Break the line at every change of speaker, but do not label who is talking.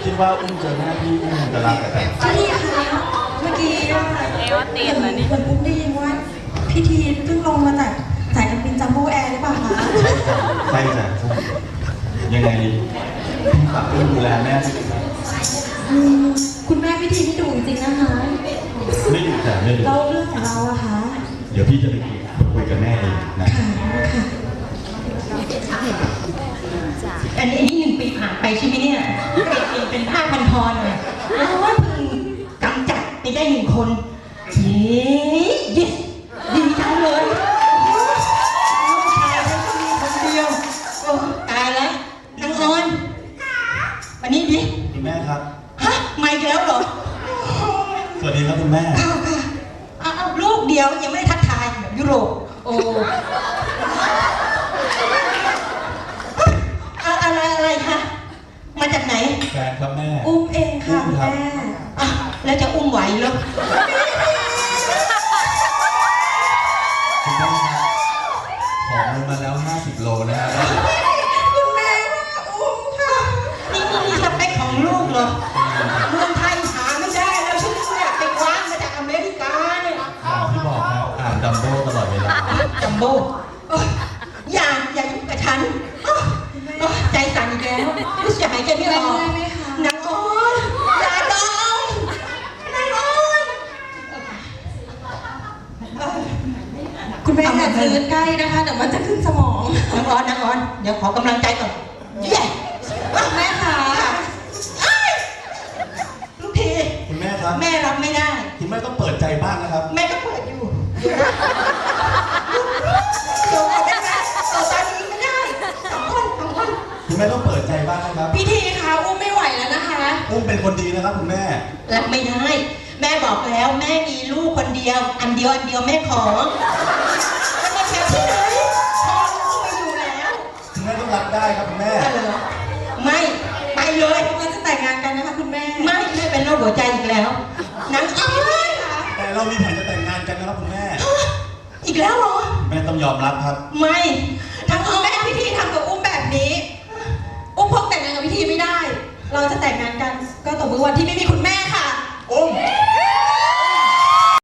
คิดว่าอุ้มเจอแม่พี่อุ้มจะรักแต่
พี่ทีคะเมื่อกี้อะ
ตีนแล้วนี่
เหมือนอุ้มได้ยินว่าพี่ทีเพิ่งลงมาจากสายการบินจัมโบ้แอร์หรือเปล่าคะ
ใช่จ้ะยังไงพี่ฝากอุ้มดูแลแม่ด้วยนะครับ
คุณแม่พี่ทีนี่ดุจริงๆนะคะ
ไม่ดูแต่ไม่ดู
เราเรื่องของเราอะคะ
เดี๋ยวพี่จะไปคุยกับแม่เองนะ
ค่ะค่ะ
อันนี้1 ปีผ่านไปใช่ไหมเนี่ยเปลี่ยนเป็นผ้าพันคอหน่อยโอ้ยเพิ่งกำจัดไปได้1 คนเย้ดีจังเลยลูกชายฉันก็มีคนเดียวโอ้ตายแล้วนางออนวันนี้ดิ
คุณแม่ครับ
ฮะมาอีกแล้วเหรอ
สวัสดีครับคุณแม่
ค่ะค่ะเอาลูกเดียวยังไม่ได้ทักทายแบบยุโรปโอ้อะไรคะมาจากไหน
แฟนครับแม่
อุ้มเองค่ะ
อุ้มครับ
แม่
อ่ะแล้วจะอุ้มไหวเหรอ
คุณแม่ครับขอเงินมาแล้ว50 โลนะครับ
คุณแม่อุ้มค่ะนี่สเปคของลูกเหรอเมืองไทยหาไม่ได้แล้วฉันเนี่ยไปคว้ามาจากอเมริกาเนี่ย
อย่างที่บอกครับอ่านดัมโบ้ตลอดเวลา
จัมโบ้โอ๊ยอย่ายุ่งกับฉันโอ๊ยใจสั่นอีกแล้วรู้สึกหายใจไม่ออก
ได้ไหมคะ
นางอ้อนอย่าดองนางอ้อน
คุณแม่อย่าซื้อใกล้นะคะเดี๋ยวมันจะขึ้นสมอง
นางอ้อนเดี๋ยวขอกำลังใจก่อนเย้
แม่คะ
ลูกที
คุณแม่ครับ
แม่รับไม่ได้
คุณแม่ต้องเปิดใจบ้างนะครับ
แม่ก็เปิดอยู่เดี๋ยวได้ไหมตอนนี้ไม่ได้สองคน
คุณแม่ต้องเปิดใจบ้างนะครับ
พี่ทีคะอุ้มไม่ไหวแล้วนะคะ
อุ้มเป็นคนดีนะครับคุณแม่
รับไม่ได้ แม่บอกแล้วแม่มีลูกคนเดียว อันเดียวแม่ขอแล้วมาแค่ที่ไหนพอลูกไม่อยู่แล้ว
คุณแม่ต้องรับได้ครับคุณแม่
เหรอไม่ไปเลย
เราจะแต่งงานกันนะคะคุณแม่
ไม่เป็นโรคหัวใจอีกแล้วนางอ้อน
แต่เรามีแผนจะแต่งงานกันนะครับคุณแม่
อีกแล้วเหรอ
แม่ต้องยอมรับครับ
ไม่
ทั้งคุณแม่พี่ทีทำกับอุ้มแบบนี้ อุ้มคงแต่งงานกับพี่ทีไม่ได้ เราจะแต่งงานกันก็ต่อเมื่อวันที่ไม่มีคุณ